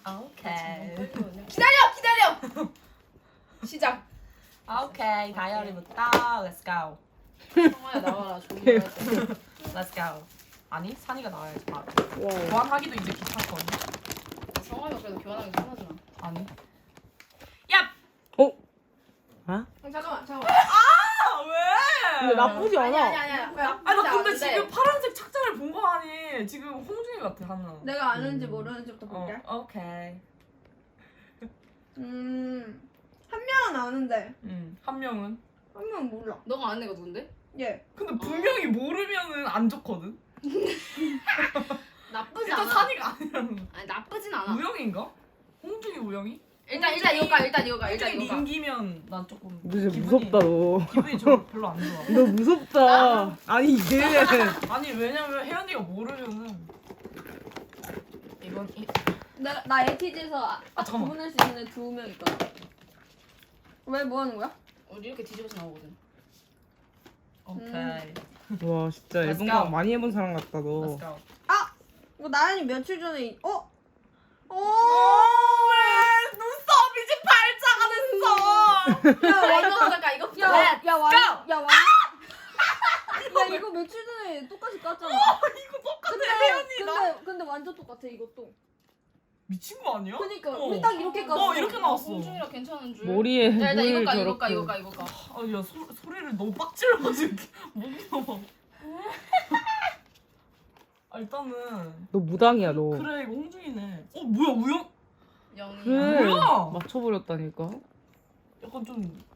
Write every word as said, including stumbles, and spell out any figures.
오케이. 기다려 기다려. 시작. 오케이. 다이어리부터 Let's go. 성아야 나와라. 조용히 해야 돼. Let's go. 아니 산이가 나와야지 바로. 와. 교환하기도 이제 귀찮거든. 성아가 그래도 교환하기 편하잖아. 아니. 야. 어? 아? 잠깐만 잠깐만. 아 왜? 근데 나쁘지 아니 않아. 아니 아니 아니. 아니 나 근데 지금 파란색 착장을 본 거 아니? 지금 홍준이 같아 하나. 내가 아는지 모르는지부터 어, 볼게. 오케이. 음, 한 명은 아는데 음, 한 명은. 한 명은 몰라. 너가 아는 애가 누군데? 얘. 근데 분명히 모르면은 안 좋거든. 나쁘지 일단 않아. 산이가 아니라 아니 나쁘진 않아. 우영인가? 홍준이 우영이? 일단 일단 이거 가 일단 이거 가 일단 홍준이 이거 가. 민기면 난 조금 너 진짜 기분이- 무섭다 너. 기분이 좀 별로 안 좋아. 너 무섭다. 아니 이게 아니 왜냐면 혜연이가 모르면은 이건 이... 나, 나 에이티지에서 아, 아, 잠깐만. 구분할 수 있는 애 두 명 있거든. 왜 뭐 하는 거야? 우리 이렇게 뒤집어서 나오거든. 오케이. 와 진짜 Let's 앨범 go. 많이 해본 사람 같다 너. Let's go. 아! 이거 나연이 며칠 전에 이- 어? 어! 왜 눈썹이 지금 발자가 됐어? 야, 야 이거 완전 잠깐 이거 야, 야, 야, 완, go! 야, 완. 야, 이거 며칠 전에 똑같이 깠잖아. 이거 똑같아 근데, 혜연이다. 근데, 근데 완전 똑같아, 이것도. 미친 거 아니야? 그니까, 어. 우리 딱 이렇게 깠어. 어, 이렇게 나왔어. 홍준이라 괜찮은 줄. 머리에 야 일단 이거 물 가 이거 가 저렇게. 이거 가 이거 가. 아야 소리를 너무 빡질러가지고 목이 넘어. 아 일단은 너 무당이야 너. 그래 이거 홍준이네. 어 뭐야 우영? 영이. 그래. 뭐야? 맞춰버렸다니까. 약간 좀